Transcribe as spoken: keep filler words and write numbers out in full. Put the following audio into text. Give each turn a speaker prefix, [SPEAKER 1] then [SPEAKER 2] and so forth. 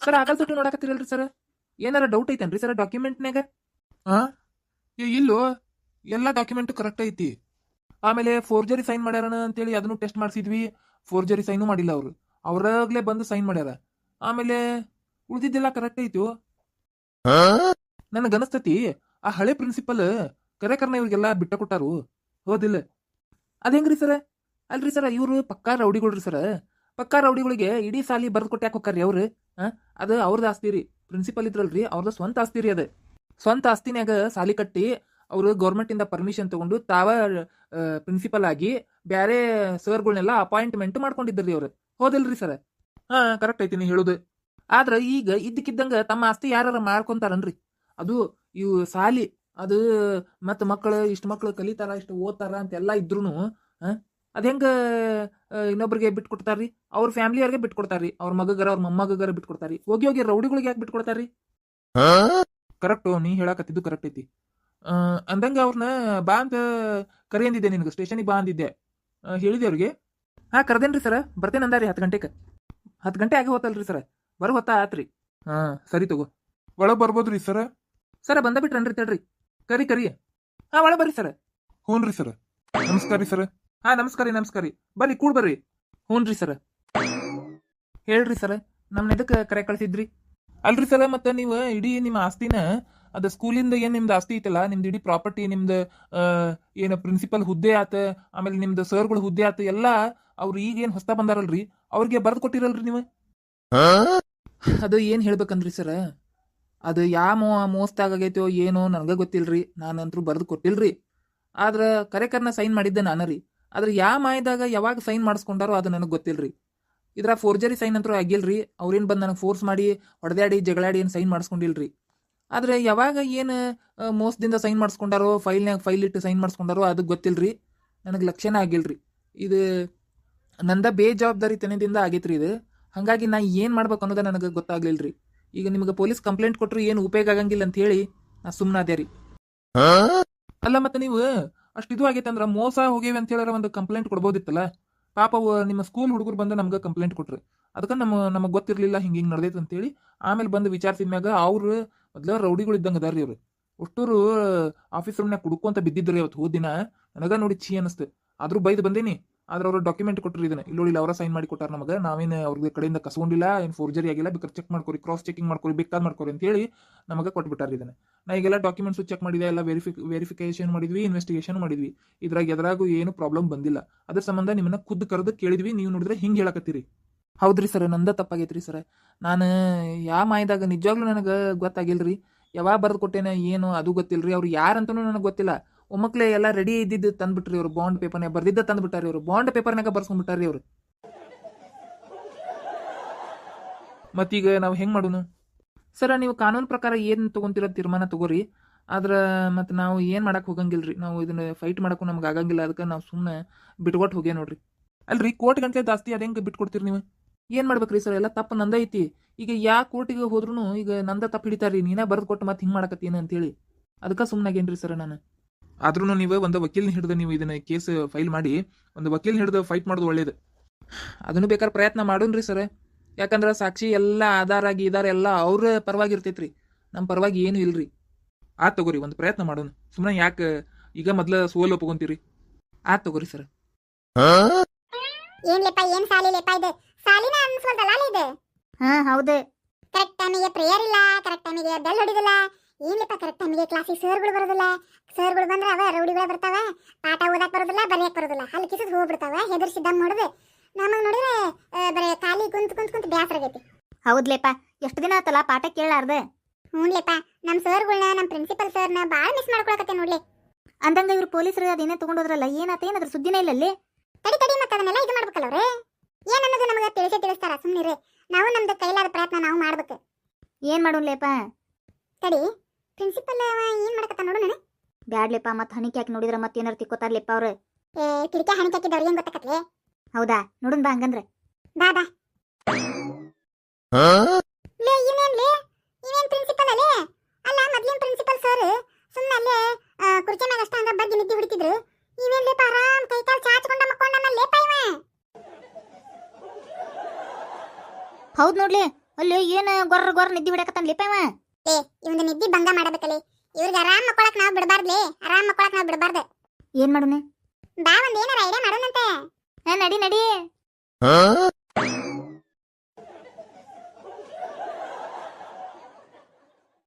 [SPEAKER 1] Sir ಆಗಲ್ ತೊಟ್ಟು ನೋಡಕತ್ತಿರಲ್ರಿ ಸರ್, ಏನಾರ ಡೌಟ್ ಐತೇನ್ರಿ ಸರ್ ಡಾಕ್ಯುಮೆಂಟ್ನಾಗ? ಹಾ ಇಲ್ಲೋ, ಎಲ್ಲ ಡಾಕ್ಯುಮೆಂಟ್ ಕರೆಕ್ಟ್ ಐತಿ. ಆಮೇಲೆ ಫೋರ್ಜರಿ ಸೈನ್ ಮಾಡ್ಯಾರನ ಅಂತೇಳಿ ಅದನ್ನು ಟೆಸ್ಟ್ ಮಾಡಿಸಿದ್ವಿ, ಫೋರ್ಜರಿ ಸೈನು ಮಾಡಿಲ್ಲ ಅವರು, ಅವ್ರಾಗ್ಲೇ ಬಂದು ಸೈನ್ ಮಾಡ್ಯಾರ. ಆಮೇಲೆ ಉಳಿದಿದ್ದೆಲ್ಲ ಕರೆಕ್ಟ್ ಐತಿ. ನನಗನಸ್ತತಿ ಆ ಹಳೆ ಪ್ರಿನ್ಸಿಪಲ್ ಕರೆಕರ್ನ ಇವ್ರಿಗೆಲ್ಲ ಬಿಟ್ಟ ಕೊಟ್ಟಾರು, ಹೋದಿಲ್ಲ? ಅದೇಂಗ್ರಿ ಸರ? ಅಲ್ರಿ ಸರ, ಇವರು ಪಕ್ಕಾ ರೌಡಿಗಳ್ರಿ ಸರ. ಪಕ್ಕಾ ರೌಡಿಗಳಿಗೆ ಇಡೀ ಸಾಲಿ ಬರ್ದು ಕೊಟ್ಟು ಯಾಕೆ ಹೋಗ್ತಾರ್ರಿ ಅವ್ರು? ಅದು ಅವ್ರದ್ದು ಆಸ್ತಿ ರೀ, ಪ್ರಿನ್ಸಿಪಲ್ ಇದ್ರಲ್ರಿ ಅವ್ರದ್ದು ಸ್ವಂತ ಆಸ್ತಿ ರೀ. ಅದು ಸ್ವಂತ ಆಸ್ತಿನ್ಯಾಗ ಸಾಲಿ ಕಟ್ಟಿ ಅವರು ಗೌರ್ಮೆಂಟ್ ಇಂದ ಪರ್ಮಿಷನ್ ತಗೊಂಡು ತಾವ ಪ್ರಿನ್ಸಿಪಲ್ ಆಗಿ ಬ್ಯಾರೆ ಸರ್ಗಳನ್ನೆಲ್ಲ ಅಪಾಯಿಂಟ್ಮೆಂಟ್ ಮಾಡ್ಕೊಂಡಿದ್ರಿ ಅವ್ರು, ಹೋದಿಲ್ರಿ ಸರ್? ಹಾ ಕರೆಕ್ಟ್ ಐತಿ ನೀ ಹೇಳುದು. ಆದ್ರ ಈಗ ಇದ್ದಕ್ಕಿದ್ದಂಗ ತಮ್ಮ ಆಸ್ತಿ ಯಾರ ಮಾಡ್ಕೊಂತಾರನ್ರಿ? ಅದು ಇವು ಸಾಲಿ ಅದು ಮತ್ತ ಮಕ್ಕಳು ಇಷ್ಟು ಮಕ್ಕಳು ಕಲಿತಾರ ಇಷ್ಟು ಓದ್ತಾರ ಅಂತೆಲ್ಲ ಇದ್ರು ಅದ ಹೆಂಗ ಇನ್ನೊಬ್ರಿಗೆ ಬಿಟ್ಕೊಡ್ತಾರ್ರಿ? ಅವ್ರ ಫ್ಯಾಮಿಲಿಯವ್ರಿಗೆ ಬಿಟ್ಕೊಡ್ತಾರ್ರಿ, ಅವ್ರ ಮಗಗರ ಅವ್ರ ಮೊಮ್ಮಗರ ಬಿಟ್ಕೊಡ್ತಾರಿ. ಹೋಗಿ ಹೋಗಿ ರೌಡಿಗಳಿಗೆ ಯಾಕೆ ಬಿಟ್ಕೊಡ್ತಾರ್ರಿ? ಕರೆಕ್ಟ್, ನೀ ಹೇಳಕತ್ತಿದ್ದು ಕರೆಕ್ಟ್ ಐತಿ. ಅಂದಂಗ ಅವ್ರನ್ನ ಬಾ ಅಂತ ಕರಿ ಅಂದಿದ್ದೆ ನಿನಗೆ, ಸ್ಟೇಷನಿಗೆ ಬಾ ಅಂದಿದ್ದೆ, ಹೇಳಿದೆ ಅವ್ರಿಗೆ. ಹಾ ಕರ್ದೇನ್ರಿ ಸರ, ಬರ್ತೇನೆ ಅಂದಾರಿ ಹತ್ತು ಗಂಟೆಗೆ. ಹತ್ತು ಗಂಟೆ ಆಗಿ ಹೋತಲ್ರಿ ಸರ, ಬರೋ ಹೊತ್ತ ಆತ್ರಿ. ಹಾ ಸರಿ ತಗೋ, ಒಳಗೆ ಬರ್ಬೋದ್ರಿ ಸರ? ಸರ ಬಂದ ಬಿಟ್ರನ್ರಿ, ತಡ್ರಿ ಕರಿ ಕರಿ. ಹಾ ಒಳಗೆ ಬರ್ರಿ ಸರ. ಹ್ಞೂನ್ರಿ ಸರ, ನಮಸ್ಕಾರ ರೀ ಸರ. ಹಾ ನಮಸ್ಕಾರ ರೀ, ನಮಸ್ಕಾರ ರೀ, ಬರ್ರಿ ಕೂಡ್ ಬರ್ರಿ. ಹ್ಞೂನ್ರಿ ಸರ. ಹೇಳ್ರಿ ಸರ, ನಮ್ನ ಎದಕ್ಕೆ ಕರೆ ಕಳ್ಸಿದ್ರಿ? ಅಲ್ರಿ ಸರ, ಮತ್ತೆ ನೀವು ಇಡೀ ನಿಮ್ಮ ಆಸ್ತಿನ ಅದ ಸ್ಕೂಲಿಂದ ಏನ್ ನಿಮ್ದು ಆಸ್ತಿ ಐತಲ್ಲ, ನಿಮ್ದು ಇಡೀ ಪ್ರಾಪರ್ಟಿ, ನಿಮ್ದು ಏನು ಪ್ರಿನ್ಸಿಪಲ್ ಹುದ್ದೆ ಆತ, ಆಮೇಲೆ ನಿಮ್ದು ಸರ್ಗಳು ಹುದ್ದೆ ಆತ ಎಲ್ಲ ಅವ್ರು ಈಗ ಏನ್ ಹೊಸ್ತಾ ಬಂದಾರಲ್ರಿ ಅವ್ರಿಗೆ ಬರ್ದು ಕೊಟ್ಟಿರಲ್ರಿ ನೀವು? ಅದು ಏನ್ ಹೇಳ್ಬೇಕಂದ್ರಿ ಸರ, ಅದು ಯಾವ ಮೋ ಮೋಸ್ತಾಗೈತೋ ಏನೋ ನನಗೆ ಗೊತ್ತಿಲ್ರಿ, ನಾನಂತರೂ ಬರ್ದು ಕೊಟ್ಟಿಲ್ರಿ. ಆದ್ರ ಕರೆಕರ್ನ ಸೈನ್ ಮಾಡಿದ್ದೆ ನಾನು ರೀ. ಆದ್ರೆ ಯಾವ ಮಾಯದಾಗ ಯಾವಾಗ ಸೈನ್ ಮಾಡಿಸ್ಕೊಂಡಾರೋ ಅದು ನನಗೆ ಗೊತ್ತಿಲ್ರಿ. ಇದ್ರ ಫೋರ್ಜರಿ ಸೈನ್ ಅಂತೂ ಆಗಿಲ್ರಿ, ಅವ್ರೇನು ಬಂದು ನನಗೆ ಫೋರ್ಸ್ ಮಾಡಿ ಹೊಡೆದಾಡಿ ಜಗಳಾಡಿ ಏನು ಸೈನ್ ಮಾಡಿಸ್ಕೊಂಡಿಲ್ರಿ. ಆದ್ರೆ ಯಾವಾಗ ಏನು ಮೋಸದಿಂದ ಸೈನ್ ಮಾಡಿಸ್ಕೊಂಡಾರೋ, ಫೈಲ್ನಾಗ ಫೈಲ್ ಇಟ್ಟು ಸೈನ್ ಮಾಡಿಸ್ಕೊಂಡಾರೋ ಅದು ಗೊತ್ತಿಲ್ರಿ, ನನಗೆ ಲಕ್ಷ್ಯನೇ ಆಗಿಲ್ರಿ. ಇದು ನಂದ ಬೇಜವಾಬ್ದಾರಿ ತನದಿಂದ ಆಗೈತ್ರಿ ಇದು. ಹಾಗಾಗಿ ನಾ ಏನು ಮಾಡ್ಬೇಕು ಅನ್ನೋದ ನನಗೆ ಗೊತ್ತಾಗ್ಲಿಲ್ರಿ. ಈಗ ನಿಮಗೆ ಪೊಲೀಸ್ ಕಂಪ್ಲೇಂಟ್ ಕೊಟ್ಟರು ಏನು ಉಪಯೋಗ ಆಗಂಗಿಲ್ಲ ಅಂತ ಹೇಳಿ ನಾ ಸುಮ್ಮನಾದೆ ರೀ. ಅಲ್ಲ ಮತ್ತೆ ನೀವು ಅಷ್ಟು ಇದು ಆಗೈತಂದ್ರ ಮೋಸ ಹೋಗೇವಿ ಅಂತ ಹೇಳಾರ ಒಂದು ಕಂಪ್ಲೇಂಟ್ ಕೊಡ್ಬೋದಿತ್ತಲ್ಲ. ಪಾಪ ನಿಮ್ಮ ಸ್ಕೂಲ್ ಹುಡುಗರು ಬಂದು ನಮ್ಗೆ ಕಂಪ್ಲೇಂಟ್ ಕೊಟ್ರು, ಅದಕ್ಕೆ ನಮ್ಮ ನಮಗೆ ಗೊತ್ತಿರಲಿಲ್ಲ ಹಿಂಗೆ ಹಿಂಗೆ ನಡೆದೈತೆ ಅಂತೇಳಿ. ಆಮೇಲೆ ಬಂದು ವಿಚಾರಿಸಿದ ಮ್ಯಾಗ ಅವ್ರು ಮೊದಲ ರೌಡಿಗಳು ಇದ್ದಂಗೆ ಅದಾರ ರೀ ಅವ್ರು. ಅಷ್ಟೂರು ಆಫೀಸ್ ರೂಮ್ನಾಗ ಕುಡ್ಕೊಂತ ಬಿದ್ದಿದ್ರಿ ಅವತ್ತು ಹೋದ ದಿನ. ನನಗ ನೋಡಿ ಛೀ ಅನಿಸ್ತು, ಆದ್ರೂ ಬೈದು ಬಂದೇನಿ. ಆದ್ರೆ ಅವರು ಡಾಕ್ಯುಮೆಂಟ್ ಕೊಟ್ಟರು, ಇದನ್ನ ಇಲ್ಲೋಡಿಲ್ಲ ಅವರ ಸೈನ್ ಮಾಡಿ ಕೊಟ್ಟಾರ ನಮಗೆ, ನಾವೇನು ಅವ್ರಿಗೆ ಕಡೆಯಿಂದ ಕಸ್ಕೊಂಡಿಲ್ಲ, ಏನು ಫೋರ್ಜರಿ ಆಗಿಲ್ಲ, ಬೇಕಾದ್ರೆ ಚೆಕ್ ಮಾಡ್ಕೊರಿ, ಕ್ರಾಸ್ ಚೆಕಿಂಗ್ ಮಾಡ್ಕೊರಿ, ಬೇಕಾದ್ ಮಾಡ್ಕೊರಿ ಅಂತ ಹೇಳಿ ನಮಗೆ ಕೊಟ್ಬಿಟ್ಟಾರ ಇದನ್ನ. ನಾ ಈಗೆಲ್ಲ ಡಾಕ್ಯುಮೆಂಟ್ಸ್ ಚೆಕ್ ಮಾಡಿದೆ, ಎಲ್ಲ ವೆರಿಫಿ ವೆರಿಫಿಕೇಶನ್ ಮಾಡಿದ್ವಿ, ಇನ್ವೆಸ್ಟಿಗೇಷನ್ ಮಾಡಿದ್ವಿ. ಇದ್ರಾಗ ಎದ್ರಾಗೂ ಏನು ಪ್ರಾಬ್ಲಮ್ ಬಂದಿಲ್ಲ. ಅದ್ರ ಸಂಬಂಧ ನಿಮ್ಮನ್ನ ಖುದ್ದು ಕರೆದು ಕೇಳಿದ್ವಿ, ನೀವು ನೋಡಿದ್ರೆ ಹಿಂಗೆ ಹೇಳಕತ್ತೀರಿ. ಹೌದ್ರಿ ಸರ್, ನಂದ ತಪ್ಪಾಗೈತ್ರಿ ಸರ್. ನಾನು ಯಾವ ಮಾಯದಾಗ ನಿಜವಾಗ್ಲೂ ನನಗೆ ಗೊತ್ತಾಗಿಲ್ರಿ. ಯಾವಾಗ ಬರ್ದು ಕೊಟ್ಟೇನೆ ಏನು ಅದು ಗೊತ್ತಿಲ್ರಿ. ಅವ್ರು ಯಾರಂತನೂ ನನಗೆ ಗೊತ್ತಿಲ್ಲ. ಒಮ್ಮಕ್ಲೆ ಎಲ್ಲ ರೆಡಿ ಇದ್ದಿದ್ದು ತಂದ್ಬಿಟ್ರಿ ಅವರು, ಬಾಂಡ್ ಪೇಪರ್ನಾಗ ಬರ್ದಿದ್ದ ತಂದ್ಬಿಟ್ಟಾರಿ ಅವರು, ಬಾಂಡ್ ಪೇಪರ್ನಾಗ ಬರ್ಸ್ಕೊಂಡ್ಬಿಟ್ಟಾರಿ ಅವರು. ಮತ್ತೀಗ ನಾವು ಹೆಂಗ್ ಮಾಡೋನು ಸರ? ನೀವು ಕಾನೂನು ಪ್ರಕಾರ ಏನು ತಗೊಂತಿರೋ ತೀರ್ಮಾನ ತಗೋರಿ. ಆದ್ರೆ ಮತ್ತೆ ನಾವು ಏನು ಮಾಡಕ್ ಹೋಗಂಗಿಲ್ರಿ, ನಾವು ಇದನ್ನ ಫೈಟ್ ಮಾಡಕ್ಕೂ ನಮ್ಗೆ ಆಗಂಗಿಲ್ಲ. ಅದಕ್ಕೆ ನಾವು ಸುಮ್ಮನೆ ಬಿಟ್ಕೊಟ್ಟು ಹೋಗ್ಯ ನೋಡ್ರಿ. ಅಲ್ರಿ ಕೋರ್ಟ್ ಗಂಟೆ ಜಾಸ್ತಿ ಅದ ಹೆಂಗೆ ಬಿಟ್ಕೊಡ್ತೀರಿ ನೀವು? ಏನು ಮಾಡ್ಬೇಕ್ರಿ ಸರ್, ಎಲ್ಲ ತಪ್ಪು ನಂದ ಐತಿ. ಈಗ ಯಾ ಕೋರ್ಟಿಗೆ ಹೋದ್ರೂ ಈಗ ನಂದ ತಪ್ಪು ಹಿಡಿತಾರ್ರಿ, ನೀನೇ ಬರ್ದು ಕೊಟ್ಟು ಮತ್ತೆ ಹಿಂಗೆ ಮಾಡಕತ್ತೀನಿ ಅಂತೇಳಿ. ಅದಕ್ಕೆ ಸುಮ್ಮನಾಗೇನ್ರಿ ಸರ್ ನಾನು. ಆದ್ರೂ ನೀವು ಒಂದು ವಕೀಲ್ನ ಹಿಡಿದು ನೀವು ಇದನ್ನ ಕೇಸ್ ಫೈಲ್ ಮಾಡಿ ಒಂದು ವಕೀಲ್ನ ಹಿಡಿದು ಫೈಟ್ ಮಾಡೋದು ಒಳ್ಳೇದು. ಅದನ್ನು ಬೇಕಾದ್ರೆ ಪ್ರಯತ್ನ ಮಾಡೋನ್ರಿ ಸರ್. ಯಾಕಂದ್ರೆ ಸಾಕ್ಷಿ ಎಲ್ಲ ಆಧಾರ ಆಗಿ ಇದಾರೆ, ಎಲ್ಲ ಅವ್ರ ಪರವಾಗಿ ಇರ್ತೈತ್ರಿ, ನಮ್ಮ ಪರವಾಗಿ ಏನು ಇಲ್ರಿ. ಆತ್ ತಗೋರಿ, ಒಂದು ಪ್ರಯತ್ನ ಮಾಡೋಣ. ಸುಮ್ಮನೆ ಯಾಕೆ ಈಗ ಮೊದ್ಲ ಸೋಲ್ ಒಪ್ಕೊಂತೀರಿ? ಆತ್ ತಗೋರಿ ಸರ್.
[SPEAKER 2] ಏನ್ ಲೆಪ್ಪ, ಏನ್ ಸಾಲಿ ಲೆಪ್ಪ ಇದು? ಸಾಲಿನ ಅನ್ಸ್ಕೊಳ್ತಲ್ಲ ಇದು? ಹಾ ಹೌದು. ಕರೆಕ್ಟ್ ಟೈಮಿಗೆ ಪ್ರೇಯರ್ ಇಲ್ಲ, ಕರೆಕ್ಟ್ ಟೈಮಿಗೆ ಬೆಲ್ ಹೊಡಿದಿಲ್ಲ. ಏನ್ ಲೆಪ್ಪ, ಕರೆಕ್ಟ್ ಟೈಮಿಗೆ ಕ್ಲಾಸಿಗೆ ಸರ್ಗಳು ಬರೋದಿಲ್ಲ. ಸರ್ಗಳು ಬಂದ್ರೆ ಅವ ರೌಡಿಗಳು ಬರ್ತಾವ, ಪಾಠ ಓದಕ್ ಬರೋದಿಲ್ಲ, ಬರೆಯಕ್ ಬರೋದಿಲ್ಲ, ಹಲ್ ಕಿಸಿದ್ ಹೋಗ್ಬಿಡ್ತಾವ. ಹೆದರ್ಸಿದ್ದಂಗ್ ನೋಡಿದ್ರೆ ನಮಗ್ ನೋಡಿದ್ರೆ ಬರೀ ಖಾಲಿ ಕುಂತ್ ಕುಂತ್ ಕುಂತ್ ಬ್ಯಾಸರ ಆಗೈತಿ. ಹೌದ್ಲೆಪ್ಪ, ಎಷ್ಟು ದಿನ ಆತಲ್ಲ ಪಾಠ ಕೇಳಾರ್ದೆ. ಹ್ಞೂನ್ಲೆಪ್ಪ, ನಮ್ಮ ಸರ್ಗಳನ್ನ ನಮ್ಮ ಪ್ರಿನ್ಸಿಪಲ್ ಸರ್ನ ಭಾಳ ಮಿಸ್ ಮಾಡ್ಕೊಳಕತ್ತೆ ನೋಡ್ಲಿ. ಅಂದಂಗ ಇವ್ರು ಪೊಲೀಸರು ಅದೇನೇ ತಗೊಂಡೋದ್ರಲ್ಲ, ಏನಾತ ಏನಾದ್ರ ಸುದ್ದಿನೇ ಇಲ್ಲ ಅಲ್ಲಿ? ತಡಿ ತಡಿ, ಮತ್ತೆ ಅದನ್ನೆಲ್ಲ ಇದು ಮಾಡ್ಬೇಕಲ್ಲ ಅವ್ರೆ. ಏನನ್ನೋದು ನಮಗೆ ತಿಳಿಸೇ ತಿಳಿಸ್ತಾರ, ಸುಮ್ಮನಿರಿ. ನಾವು ನಮ್ದು ಕೈಲಾದ ಪ್ರಯತ್ನ ನಾವು ಮಾಡ್ಬೇಕು. ಏನ್ ಮಾಡೋನ್ಲೇಪ? ತಡಿ, ಪ್ರಿನ್ಸಿಪಲ್ ಏನ್ ಮಾಡಕತ್ತ ನೋಡು. ನಾನು ಬ್ಯಾಡ್ಲೆಪ್ಪ, ಮತ್ತೆ ಹಣಿಕೆ ಹಾಕಿ ನೋಡಿದ್ರೆ ಮತ್ತೆ ಏನಾರು ತಿಕ್ಕೋತಾರ್ಲೆಪ್ಪ ಅವ್ರು. ಏ ಕಿಟಕಿ ಹಣಿಕೆ ಹಾಕಿದವ್ರು ಏನ್ ಗೊತ್ತಾಕತ್ಲೆ? ಹೌದಾ, ನೋಡುನ್ ಬಾ ಹಂಗಂದ್ರೆ. ಬಾ ಬಾ. ಲೇ ಇನ್ನೇನ್ಲೇ, ಇನ್ನೇನ್ ಪ್ರಿನ್ಸಿಪಲ್ ಅಲ್ಲೇ? ಅಲ್ಲ, ಮೊದ್ಲಿನ ಪ್ರಿನ್ಸಿಪಲ್ ಸರ್ ಸುಮ್ಮನೆ ಅಲ್ಲೇ ಕುರ್ಚಿ ಮ್ಯಾಗ ಅಷ್ಟ ಹಂಗ ಬಗ್ಗೆ ನಿದ್ದೆ ಹಿಡಿತಿದ್ರು. ಇವೇನ್ ಲೇಪ ಆರಾಮ್ ಕೈ ಕಾಲು ಚಾಚ್ಕೊಂಡ ಮಕ್ಕೊಂಡ ಲೇಪ ಇವ. ಹೌದ್ ನೋಡ್ಲಿ,
[SPEAKER 3] ಅಲ್ಲಿ ಏನ್ ಗೊರ್ರ ಗೊರ್ರ ನಿದ್ದೆ ಹೊಡ್ಯಾಕತ್ತಾನ್ಲಿಪ್ಪ ಇವ.
[SPEAKER 2] ಏ ಇವಂದು ನಿದ್ದಿ ಭಂಗ ಮಾಡಬೇಕಲ್ಲಿ. ಇವ್ರಿಗೆ ಆರಾಮ್ ಮಕ್ಕೊಳಕ್ ನಾವ್ ಬಿಡಬಾರ್ದ್ಲಿ. ಆರಾಮ್ ಮಕ್ಕೊಳಕ್ ನಾವ್ ಬಿಡಬಾರ್ದು.
[SPEAKER 3] ಏನ್ ಮಾಡೋಣ?
[SPEAKER 2] ಬಾ ಒಂದ್ ಏನಾರ ಐಡಿಯಾ ಮಾಡೋಣಂತೆ.
[SPEAKER 3] ನಡಿ ನಡಿ.